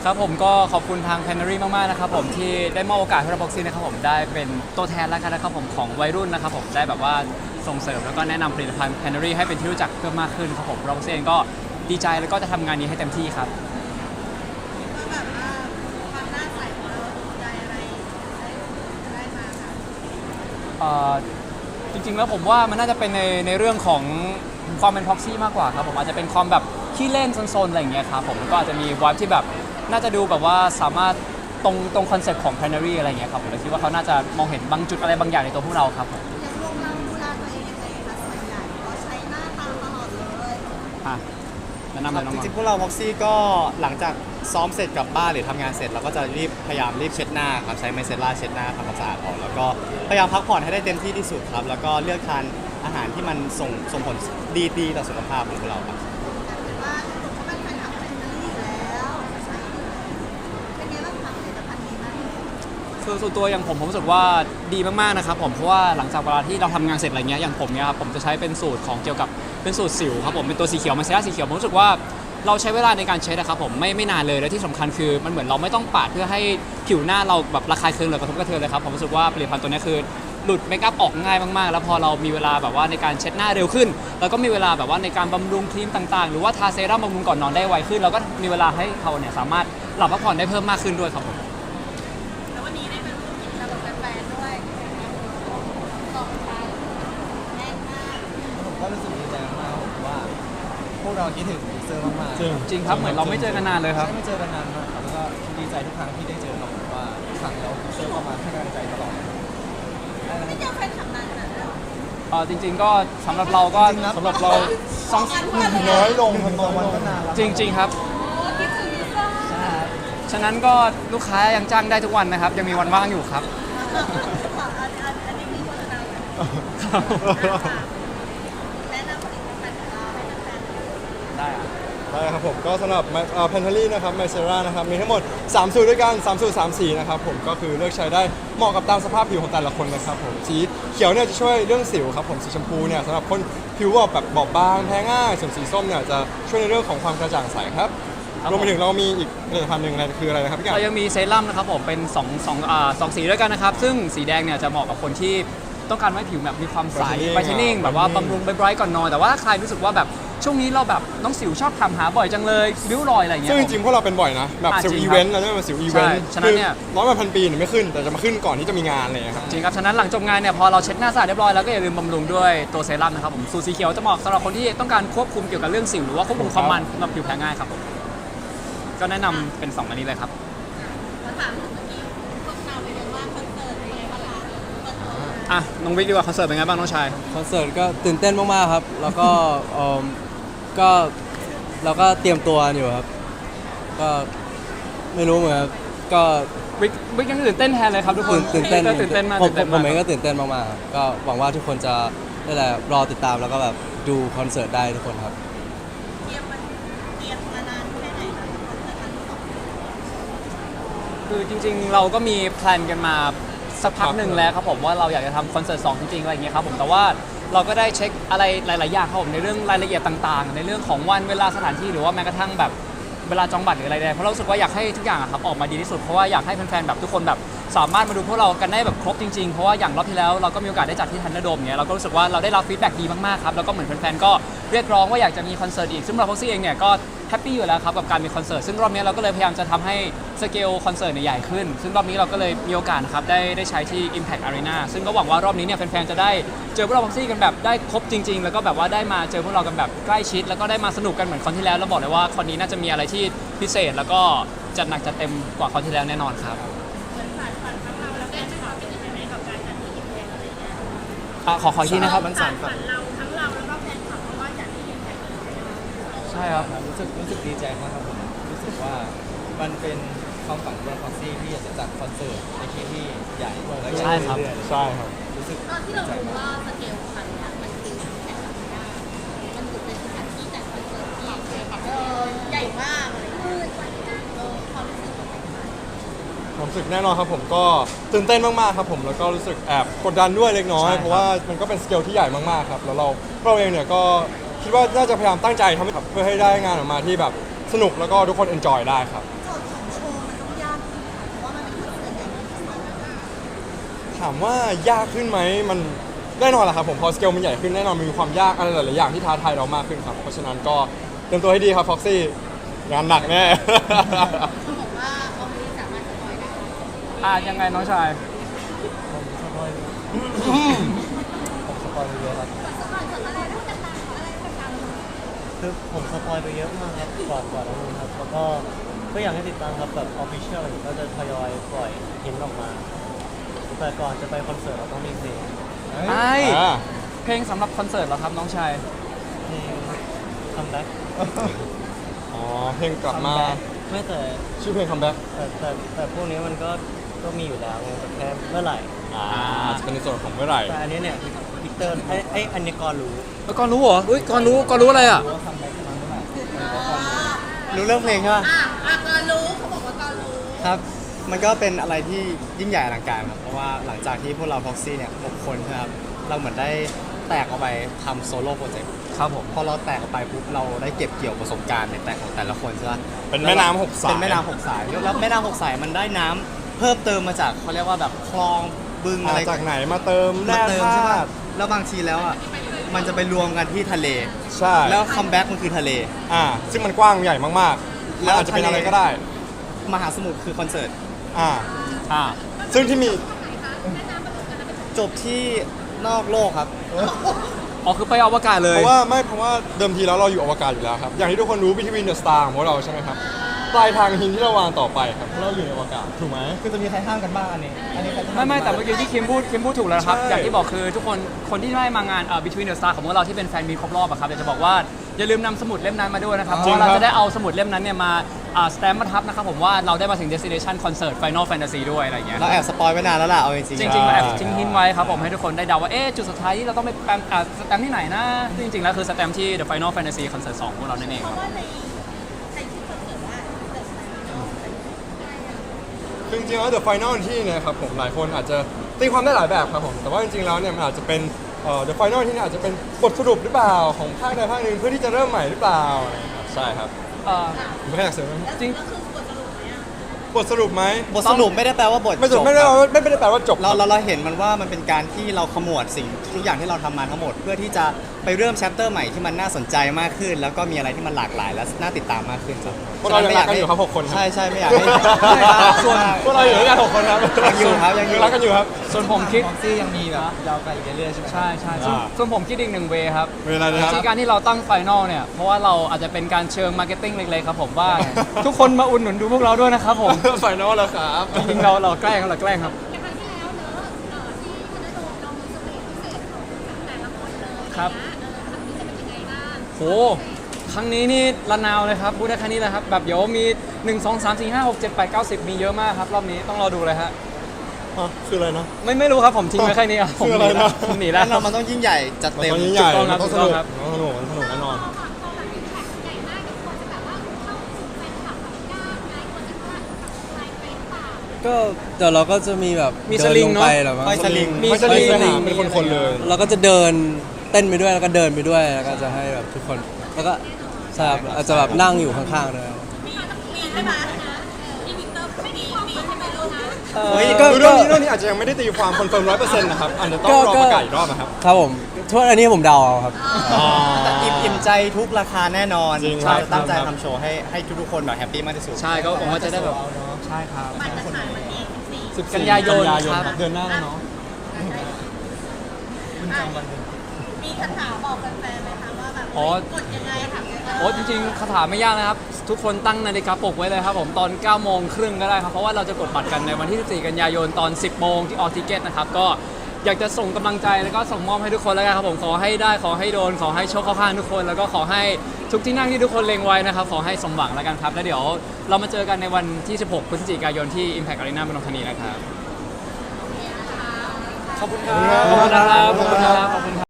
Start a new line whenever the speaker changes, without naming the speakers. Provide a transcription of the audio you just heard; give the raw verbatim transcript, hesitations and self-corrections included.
ครับผมก็ขอบคุณทาง Pantry มากๆนะครับผมที่ได้มอบโอกาสให้เราบ็อกซี่นะครับผมได้เป็นตัวแทนแล้วกันนะครับผมของวัยรุ่นนะครับผมได้แบบว่าส่งเสริมแล้วก็แนะนำผลิตภัณฑ์ Pantry ให้เป็นที่รู้จักเพิ่มมากขึ้นครับผมเราบ็อกซี่เองก็ดีใจแล้วก็จะทำงานนี้ให้เต็มที่ครับ
ก็แบบว่าความหน้าใสของเราถูกใจอะไรได้ได้มาคะ
เอ่อจริงๆแล้วผมว่ามันน่าจะเป็นในในเรื่องของความเป็นพ็อกซี่มากกว่าครับผมอาจจะเป็นความแบบขี้เล่นโซนๆอะไรอย่างเงี้ยครับผมก็อาจจะมีวายที่แบบน่าจะดูแบบว่าสามารถตรงตรงคอนเซ็ปต์ของ Pantry อะไรอย่างเงี้ยครับผมเลยคิดว่าเขาน่าจะมองเห็นบางจุดอะไรบางอย่างในตัวพวกเราครับผม
อย่างวงเราดูแลตัวเองยังไงคะส่วนใหญ่ก็ใช้หน้าตาตลอดเลย
อ่ะแนะนำ
ค
เล
รับ
ยน้อง
จ
ๆ
ริงๆพวกเราพ็อกซี่ก็หลังจากซ้อมเสร็จกลับบ้านหรือทำงานเสร็จเราก็จะรีบพยายามรีบเช็ดหน้าครับใช้ไมเซล่าเช็ดหน้าทำความสะอาดออกแล้วก็พยายามพักผ่อนให้ได้เต็มที่ที่สุดครับแล้วก็เลือกทานอาหารที่มันส่งส่งผลดีๆต่อสุขภาพของพวกเราครับ
แต่ว่าทุกคนก็เป็นแฟนคลับแฟนนี่อยู่แล้วใช่เป็นไงบ้างคะผลิตภัณฑ์นี้บ้าง
คือส่วนตัวอย่างผมผมรู้สึกว่าดีมากๆนะครับผมเพราะว่าหลังจากเวลาที่เราทำงานเสร็จอะไรเงี้ยอย่างผมเนี่ยครับผมจะใช้เป็นสูตรของเกี่ยวกับเป็นสูตรสิวครับผมเป็นตัวสีเขียวมันเซรั่มสีเขียวผมรู้สึกว่าเราใช้เวลาในการเช็ดนะครับผมไม่ไม่นานเลยและที่สำคัญคือมันเหมือนเราไม่ต้องปาดเพื่อให้ผิวหน้าเราแบบระคายเคืองหรือกระทบกระเทือนเลยครับผมรู้สึกว่าผลิตภัณฑ์ตัวนี้คือหลุดเมคอัพออกง่ายมากๆแล้วพอเรามีเวลาแบบว่าในการเช็ดหน้าเร็วขึ้นแล้วก็มีเวลาแบบว่าในการบำรุงครีมต่างๆหรือว่าทาเซรั่มบำรุงก่อนนอนได้ไวขึ้นเราก็มีเวลาให้เขาเนี่ยสามารถหลับพักผ่อนได้เพิ่มมากขึ้นด้วยครับผม
แล้ววันนี้ได้มาร่วมกิจกรรมกับแฟนๆด้วยสองพันแน่นมาก
ผมก็รู้สึกดีใจมากผมว่า พวกเราคิดถึงเซอร์มากๆ
จริงจริงครับเหมือนเราไม่เจอกันนานเลยครับ
ใช่ไม่เจอกันนานมากครับแล้วก็ดีใจทุกครั้งที่ได้เจอครับผมว่าทุกครั้งเราเซอร์เข้ามาให้กำลังใจตลอดได้นะ
ไม่
ค
เจ
รับ
อแฟนคลับนานขนาดนั้น
เออจริง ๆ ก็สำหรับเราก็
จริงๆนะ
สำหรับเราสอง
น้อยลงทำน้อยวันก็นานแล้ว
จริง ๆ ครับ
โอ้คิดถึงลิซ่า
ฉะนั้นก็ลูกค้ายังจ้างได้ทุกวันนะครับ ยังมีวันว่างอยู่ครับ
อันอันอันนี้มีโฆษณาอยู่แนะนำผลิตภัณฑ์ของเราให้แฟนๆ
ได้อะ
ได้ครับผมก็สำหรับแพนทารี่นะครับไมเซรานะครับมีทั้งหมดสามสูตรด้วยกันสามสูตรสามสีนะครับผมก็คือเลือกใช้ได้เหมาะกับตามสภาพผิวของแต่ละคนนะครับผมสีเขียวเนี่ยจะช่วยเรื่องสิวครับผมสีชมพูเนี่ยสำหรับคนผิวบอบแบบบอบบางแพ้ง่ายส่วนสีส้มเนี่ยจะช่วยในเรื่องของความกระจ่างใสครับรวมไปถึงเรามีอีกผลิตภัณฑ์หนึ่งอะไรคืออะไรนะครับพี่กั
เรายังมีเซรั่มนะครับผมเป็น2องสองอ่าสองสีด้วยกันนะครับ ซึ่งสีแดงเนี่ยจะเหมาะกับคนที่ต้องการให้ผิวแบบมีความใส
Brightening
ไบรท์นิ่ง
อ่ะ
แบบว่า
Brightening
บำรุงไบรท์ก่อนนอนแต่ว่าถ้าใครรู้สึกว่าแบบช่วงนี้เราแบบน้องสิวชอบถามหาบ่อยจังเลยริ้วรอยอะไรอย่างเงี้
ซึ่
ย
งจริงๆพวกเราเป็นบ่อยนะแบบ
อ่ะ
สิว
จริง
อี
ครับ
เวนต์เราจะเป็นสิวอีเวนต์
ใช่ฉะนั้นเนี่ย
ร้อยวันพันปีเนี่ยไม่ขึ้น แต่จะมาขึ้นก่อนที่จะมีงานอะไรอย่างเลยครับ
จริงครับ ฉะนั้นหลังจบงานเนี่ยพอเราเช็ดหน้าสะอาดเรียบร้อยแล้วก็อย่าลืมบำรุงด้วยตัวเซรั่มนะครับผมสูตรสีเขียวจะเหมาะสำหรับคนที่ต้องการควบคุมเกี่ยวกับเรื่องสิวหรือว่าควบคุมความมันสำหรับผิวแพ้ง่ายครับผมก็แนะนำเป็นสองอันนี้เลยครับ
มาถามถึงเมื่อกี้พวกเราเป็นยังว่าคอนเสิร์ตเป็นยังไงบ้างคะเปิดตัว
อ่ะน้องวิกดีกว่าคอนเสิร์ตเป็นไงบ้างน้องชาย
คอนเสิร์ตก็ตื่นเต้นมากๆครับ แล้วก็เอิ่มก็เราก็เตรียมตัวอยู่ครับ ก็ไม่รู้เหมือนกันก็
วิกวิกยังตื่นเต้นแทนเลยครับทุกคน
ตื่นเต้น
ตื่นเต้นมาก
ผม
ตื่นเต้น
ผม
มาก
เองก็ตื่นเต้นมากๆครับก็หวังว่าทุกคนจะได้แหละรอติดตามแล้วก็แบบดูคอนเสิร์ตได้ทุกคนครับ
เตรียมมันเตรียมมานานแค่ไหนคะคอนเสิร์ตครั้งที่สอง
คือจริงๆ เราก็มีแพลนกันมาสักพักหนึ่งแล้วครับผมว่าเราอยากจะทำคอนเสิร์ตสองจริงๆอะไรอย่างเงี้ยครับผมแต่ว่าเราก็ได้เช็คอะไรหลายๆอย่างครับผมในเรื่องรายละเอียดต่างๆ ในเรื่องของวันเวลาสถานที่หรือว่าแม้กระทั่งแบบเวลาจองบัตรหรืออะไรใดเพราะเรารู้สึกว่าอยากให้ทุกอย่างอะครับออกมาดีที่สุดเพราะว่าอยากให้แฟนๆแบบทุกคนแบบสามารถมาดูพวกเรากันได้แบบครบจริงๆเพราะว่าอย่างรอบที่แล้วเราก็มีโอกาสได้จัดที่ทันเดอร์โดมเงี้ยเราก็รู้สึกว่าเราได้รับฟีดแบ็กดีมากๆครับแล้วก็เหมือนแฟนๆก็เรียกร้องว่าอยากจะมีคอนเสิร์ตอีกซึ่งเราพ็อกซี่เองเนี่ยก็แฮปปี้อยู่แล้วครับกับการมีคอนเสิร์ตซึ่งรอบนี้เราก็เลยพยายามจะทำให้สเกลคอนเสิร์ตเนี่ยใหญ่ขึ้นซึ่งรอบนี้เราก็เลยมีโอกาสนะครับได้ได้ใช้ที่ Impact Arena ซึ่งก็หวังว่ารอบนี้เนี่ยแฟนๆจะได้เจอพวกเราพ็อกซี่กันแบบได้ครบจริงๆแล้วก็แบบว่าได้มาเจอพวกเรากันแบบใกล้ชิดแล้วก็ได้มาสนุกกันเหมือนคอนที่แล้วแล้วบอกเลยว่าคอนนี้น่าจะมีอะไรที่พิเศษแล้วก็จัดหนักจัดเต็มกว่าคอนที่แล้วแน่นอนครับ
เหมือนฝันฝันของเราแล้วแกไม่ความเป็นยังไงกับการจัดที่อิมแพคอะไรเงี้ย
อ่ะขอขออีกทีนะครับ
มันสั่นครับ
ฝันเราทั้งเราแล้วก็แฟนคลับเพราะว่าจัดที่อิมแพค
ใช่ครับ
รู้สึกรู้สึกดีใจมากครับผมรู้สึกว่ามันเป็นความฝันของพ็อกซี่ที่อยากจะจัดคอนเสิร์ตในที่ที่ใหญ่และใหญ่
ใช่ครับ
เรื่อยๆ
ใช่ครับ
รู้สึก
ตอนที่เรารู้ว่าสเกลครั้งนี้มันคืออิมแพคอารีนามันถือเป็นสถานที่จัดคอนเสิร์ตที่เออใหญ่มากเลยเออความรู้สึกของมัน
ผมรู้สึกแน่นอนครับผมก็ตื่นเต้นมากๆครับผมแล้วก็รู้สึกแอบกดดันด้วยเล็กน้อย
ใช่ครับ
เพราะว่ามันก็เป็นสเกลที่ใหญ่มากๆครับแล้วเราเราเองเนี่ยก็คิดว่าน่าจะพยายามตั้งใจทำให้เพื่อให้ได้งานออกมาที่แบบสนุกแล้วก็ทุกคนเอนจอยได้ครับ
โจทย์ของโช
ถามว่ายากขึ้นไหมมันแน่นอนแหละครับผมพอสเกลมันใหญ่ขึ้นแน่นอนมันมีความยากอะไรหลายๆอย่างที่ท้าทายเรามากขึ้นครับเพราะฉะนั้นก็เตรียมตัวให้ดีครับฟ็อกซี่งานหนักแน่
เขาบอกว่าเอาไม่สามารถสปอยได้
อ่ายังไงน้องชาย
ผมสปอยไปเยอะครับคือผมสปอยไปเยอะมากครับก่อนก่อนหน้านี้ครับแล้วก็ก็อยากให้ติดตามครับแบบออฟฟิเชียลก็จะทยอยปล่อยหินออกมา แต่ก่อนจะไปคอนเสิร์ตเราต้องมีเพลง
ไอ้
อ่า
เพลงสำหรับคอนเสิร์ตเหรอครับน้องชาย
เพลงคัมแบ็ก
อ๋อเพลงกลับมา
ไม่แต่
ชื่อเพลงคัมแบ็ก
แต่แต่แต่พวกนี้มันก็ก็มีอยู่แล้วไงแต่แค่เมื่อไหร่
อ่าจะเป็นในส่วนของเมื่อไหร่
แต่อันนี้เนี่ยวิกเตอร์ไอ้ไอ้อันนี้ก่อนรู้
แล้วก่อนรู้เหรออุ้ยก่อนรู้ก่อนรู้อะไรอ่ะ
รู้ว่าคัมแบ็กจะมาเมื่อไหร่
รู้เรื่องเพลงใช่ปะ
อ่ะอ่ะก็รู้เขาบอกว่าก็รู้
ครับ มันก็เป็นอะไรที่ยิ่งใหญ่อลังการครับ เพราะว่าหลังจากที่พวกเรา Proxy เนี่ยหกคนใช่ไหมครับ เราเหมือนได้แตกออกไปทำโซโล่โปรเจกต์
ครับผม
พอเราแตกออกไปปุ๊บเราได้เก็บเกี่ยวประสบการณ์ในแต่ของแต่ละคนใช่ปะ
เป็นแม่น้ำหกสาย
เป็นแม่น้ำหกสาย แล้วแม่น้ำหกสายมันได้น้ำเพิ่มเติมมาจากเขาเรียกว่าแบบคลองบึงอะ
มา
ไร
จากไหนมาเติม
มา
แร่
เติม
ธา
ใช่ปะ
ตุ
แล้วบางทีแล้วอ่ะ มันจะไปรวมกันที่ทะเล
ใช่
แล้วคัมแบ็กมันคือทะเล
อ่าซึ่งมันกว้างใหญ่มากๆมันอาจจะเป็นอะไรก็ได้
มหาสมุทรคือคอนเสิร์ต
อ่า
อ่า
ซึ่งที่มี
จบที่นอกโลกครับ
อ๋อคือไปอวกาศเลย
เพราะว่าไม่เพราะว่าเดิมทีแล้วเราอยู่อวกาศอยู่แล้วครับ อย่างที่ทุกคนรู้ Between the Star ของพวกเราใช่ไหมครับ ปลายทางหินที่เราวางต่อไปครับเพราะเราอยู่ในอวกาศถูกไหม
คือจะมีใครห้ามกันบ้างอันนี้ อันนี้ใครจะ
ไม่ไม่แต่เมื่อกี้ที่คิมพูดคิมพูดถูกแล้วนะครับ
ใช่
อย่างที่บอกคือทุกคนคนที่ได้มางานเอ่อ Between the Star ของพวกเราที่เป็นแฟนมีตครบรอบอะครับอยากจะบอกว่าอย่าลืมนำสมุดเล่มนั้นมาด้วยนะครับเพ
จริ
ราะ
ง
ว่าเรา
ครับ
จะได้เอาสมุดเล่มนั้นเนี่ยมาอ่าสแตมป์มาทับนะครับผมว่าเราได้มาถึง destination concert Final Fantasy ด้วยอะไรอย่างเงี้ย
เราแอบสปอยไว้นานแล้วล่ะ เอาจริงๆ
จริงๆเราแอบทิ้งหินไว้ครับผมให้ทุกคนได้เดาว่าเอ๊ะจุดสุดท้ายที่เราต้องไปแปมอ่าสแตมป์ที่ไหนนะซึ่งจริงๆแล้วคือสแตมป์ที่ The Final Fantasy Concert สองของเรานั่นเอง
เพ
ครับ
ราะว่าในในที่คอนเสิร์ตว่าเกิดอะไรขึ้น
คือจริงๆแล้ว The Final ที่เนี่ยครับผมหลายคนอาจจะตีความได้หลายแบบครับผม แต่ว่าจริงๆแล้วเนี่ยมันอาจจะเป็นเอ่อ The Final ที่เนี่ยอาจจะเป็นบทสรุปหรือเปล่าของภาคใดภาคหนึ่งเพื่อที่จะเริ่มใหม่หรือเปล่าอะไรอย่างเงี้ยครับใช่ครับ
เอ่อ
ผมไม่อยากเสริมไหม
แล้วแล้วคือบทสรุปไหมอ่ะ
บทสรุปไหม
บทสรุปไม่ได้แปลว่าบท
ไม่ส
จ
รุป
บ
ไม่ได้
ครับ
ไม่ไม่ได้แปลว่าจบ
เราเราเราเห็นมันว่ามันเป็นการที่เราขมวดสิ่งทุกอย่างที่เราทำมาทั้งหมด เพื่อที่จะไปเริ่มแชปเตอร์ใหม่ที่มันน่าสนใจมากขึ้น แล้วก็มีอะไรที่มันหลากหลายและน่าติดตามมากขึ้นครับ
พวกเรายังรักกันอยู่ครับหกคนครับ
ใช่ใช่ไม่อยากให้ส่วน
พวกเราอยู่ด้วยกันหกคนครับ
ยังอยู่ครับยังอยู่
รักกันอยู่ครับ
ส่วนผมคิด
ฟ็อกซี่ยังมีแบบยาวไกลอีกเรื่อยๆใช่ไหม
ใช่ใช่ส่วน
อ่า
ส่วนผมคิดอีกหนึ่งเวครับ
เวลานะครับ
ที่การที่เราตั้งไฟนอลเนี่ย เพราะว่าเราอาจจะเป็นการเชิงมาร์เก็ตติ้งเล็กๆครับผมว่า ทุกคนมาอุดหนุนดูพวกเราด้วยนะครับผม
ไฟนอลแล้วครับ
จริงๆเราเราแกล้งเราแกล้งครับ
ในครั้งที่แล้วเนอะเอ่อที่คณะโดมเรามีสเตจพิเศษของแต่ละคนเลย
ครับ
นะเออครั้งนี้จะเป็นยังไงบ้าง
โห ครั้งนี้นี่ระนาวเลยครับพูดได้แค่นี้เลยครับ แบบเดี๋ยวมีหนึ่ง สอง สาม สี่ ห้า หก เจ็ด แปด เก้า สิบมีเยอะมากครับรอบนี้ต้องรอดูเลยฮะ
อ่ะคืออะไรนะ
ไม่ไม่รู้ครับผมทิ้งไว้แค่นี้อ่ะผม
คือ
ห
อะไร
นีแล้ว
นะ
ผมหนีแล้ว
แน่นอนมันต้องยิ่งใหญ่จัด
มัน
เต็ม
ตอนนี้ใหญ่
ถูกต้องครับ
มันต้อง
ถู
ส
กต้
นุ
อง
ก
ครับ
มันต้องสนุกมันสนุกแน่นอน
พอพอแบบอิมแพคใหญ่มากทุกคนจะแบบว่าเข้าถึงแฟนคลับแบบยากไงคนจะว่าแบบใครเป็นเปล่า
ก็เดี๋ยวเราก็จะมีแบบ
มี
ดิ
สลิง
ล
เนอะ
ไปหรอมั้ง
ห้อยสลิง
มี
ไม่ใช่ลิง
ส
ส
ลิ
นาง มเป็นคนๆเลย
เราก็จะเดินเต้นไปด้วยแล้วก็เดินไปด้วยแล้วก็จะให้แบบทุกคนแล้วก็ใช่ครับอาจจะแบบนั่งอยู่ข้างๆด้วย
มีมีใช่ไหมพี่วิกเตอร์ไม่มีมีใช่ไหมลูกนะ
เฮ้ย
คือเรื่องนี้เรื่องนี้อาจจะยังไม่ได้ตีความคอนเฟิร์มร้อยเปอร์เซ็นต์นะครับอาจจะต้องรอประกาศอีกรอบนะครับ
ครับผมทุกอันนี้ผมเดาเอาครับ
แต่อิ่มอิ่มใจทุกราคาแน่นอน
จริง
เราจะ
ครับ
ตั้งใจทำโชว์ให้ให้ทุกๆคนแบบแฮปปี้มากที่สุด
ใช่ก็หวังว่าจะได้แบบใช่ครับ
บัตรจะขายวันที่สิบสี่
กันยายนครับ
เดือนหน้าแล้วเนาะ
คุณจำวันเดือน
มีคาถาบอกแฟนๆไหมคะว่าแบบ
อ๋อ
กดยังไงค่ะ
โอ้จริงๆคาถาไม่ยากนะครับ ทุกคนตั้งนาฬิกาปลุกไว้เลยครับผมตอนเก้าโมงครึ่งก็ได้ครับ เพราะว่าเราจะกดบัตรกันในวันที่สิบสี่กันยายนตอน สิบโมงที่ออทิเกตนะครับ ก็อยากจะส่งกำลังใจแล้วก็ส่งมอบให้ทุกคนแล้วกันครับผมขอให้ได้ขอให้โดนขอให้โชคเข้าข้างทุกคน แล้วก็ขอให้ทุกที่นั่งที่ทุกคนเล็งไว้นะครับขอให้สมหวังแล้วกันครับแล้วเดี๋ยวเรามาเจอกันในวันที่ สิบหกพฤศจิกายนที่ Impact Arena เมืองทองธานีนะครับ
ขอบคุณครั
ขอบคุณครับ
ขอบคุณครับขอบคุณครับขอบคุณครับ